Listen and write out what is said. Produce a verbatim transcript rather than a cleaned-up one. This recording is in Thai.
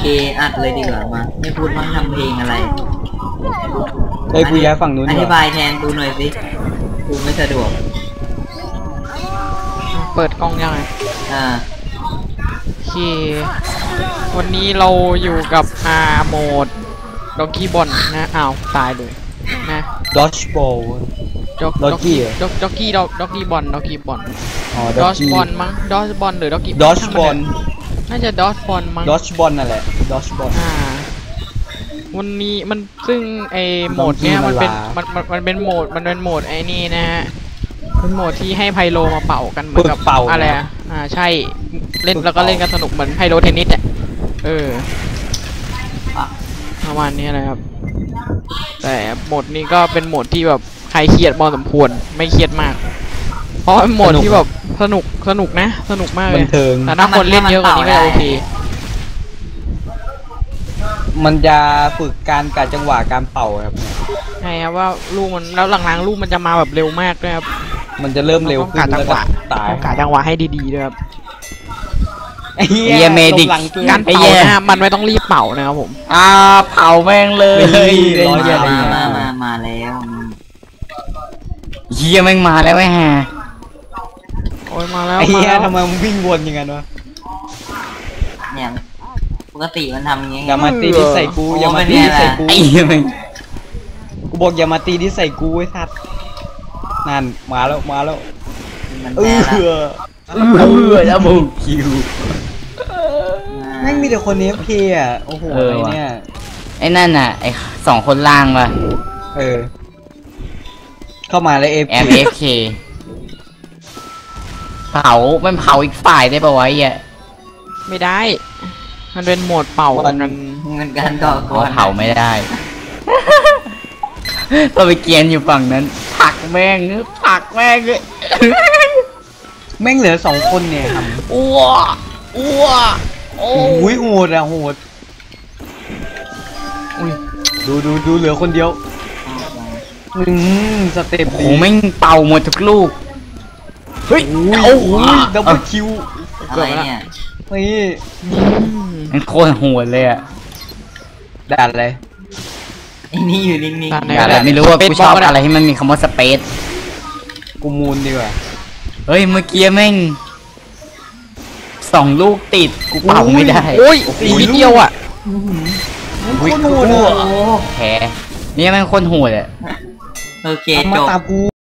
อัดเลยดีกว่ามาไม่พูดว่าทำเพลงอะไรเฮ้ยกูย้ายฝั่งนู้นอธิบายแทนกูหน่อยสิกูไม่สะดวกเปิดกล้องยังไงอ่าโอเควันนี้เราอยู่กับอาโหมดด็อกกี้บอลนะอ้าวตายเลยนะดอชบอลด็อกกี้ด็อกด็อกกี้ด็อกกี้บอลด็อกกี้บอลอ๋อดอชบอลมั้งดอชบอลหรือด็อกกี้ดอชบอลน่าจะดอชบอลมั้งดอชบอลนั่นแหละดอชบอลอ่าวันนี้มันซึ่งไอโหมดเนี้ยมันเป็นมันมันเป็นโหมดมันเป็นโหมดไอนี่นะฮะเป็นโหมดที่ให้ไพโลมาเป่ากันเหมือนกับเป่าอะไรอ่ะอ่าใช่เล่นแล้วก็เล่นกันสนุกเหมือนไพโลเทนนิสอ่ะเออประมาณนี้นะครับแต่โหมดนี้ก็เป็นโหมดที่แบบใครเครียดพอสมควรไม่เครียดมากเพราะเป็นโหมดที่แบบสนุกสนุกนะสนุกมากเลยแต่ถ้าคนเล่นเยอะกว่านี้ก็โอเคมันจะฝึกการกะจังหวะการเป่าครับใช่ครับว่าลูกมันแล้วหลังๆลูกมันจะมาแบบเร็วมากด้วยครับมันจะเริ่มเร็วขึ้นแล้วก็ตายกะจังหวะให้ดีๆด้วยครับไอ้เหี้ยเมดิกการเป่านะมันไม่ต้องรีบเป่านะครับผมอ่าเป่าแม่งเลยมามามามาแล้วเหี้ยแม่งมาแล้วไอ้ห่าโอ้ยมาแล้วไอ้เหี้ยทำไมมึงวิ่งวนอย่างนั้นวะเนี่ยปกติมันทำอย่างงี้อย่ามาตีที่ใส่กูอย่ามาตีที่ใส่กูไอ้เหี้ยกูบอกอย่ามาตีที่ใส่กูไอ้สัตว์นั่นมาแล้วมาแล้วเออเออแล้วมึงคิวแม่งมีแต่คนเอฟเคอ่ะโอ้โหไอ้เนี่ยไอ้นั่นน่ะไอ้สองคนล่างป่ะเออเข้ามาแล้วเอฟเอฟเคเผามันเผาอีกฝ่ายได้ป่ะวะไอ้ไม่ได้มันเป็นโหมดเป่ากันเงินกันต่อก่อนเผาไม่ได้เราไปเกียนอยู่ฝั่งนั้นผักแม่งผักแม่งเลยแม่งเหลือสองคนเนี่ยครับอ้วอ้วโอ้ยโหดอะโหดอุ้ยดูดูดูเหลือคนเดียวอืมสเต็ปโอ้แม่งเป่าหมดทุกลูกเฮ้ยโอ้โหดับเบิลคิวอะไรเนี่ยนี่มันโคตรโหดเลยอะด่านอะไรไอ้นี่อยู่นิ่งๆด่านอะไรไม่รู้ว่ากูชอบอะไรที่มันมีคำว่าสเปซกูมูนดีกว่าเฮ้ยเมื่อกี้แม่งสองลูกติดกูเป่าไม่ได้โอ้ยตีนิดเดียวอ่ะโคตรโหดอ่ะแพ้นี่แม่งโคตรโหดอ่ะโอเคจบ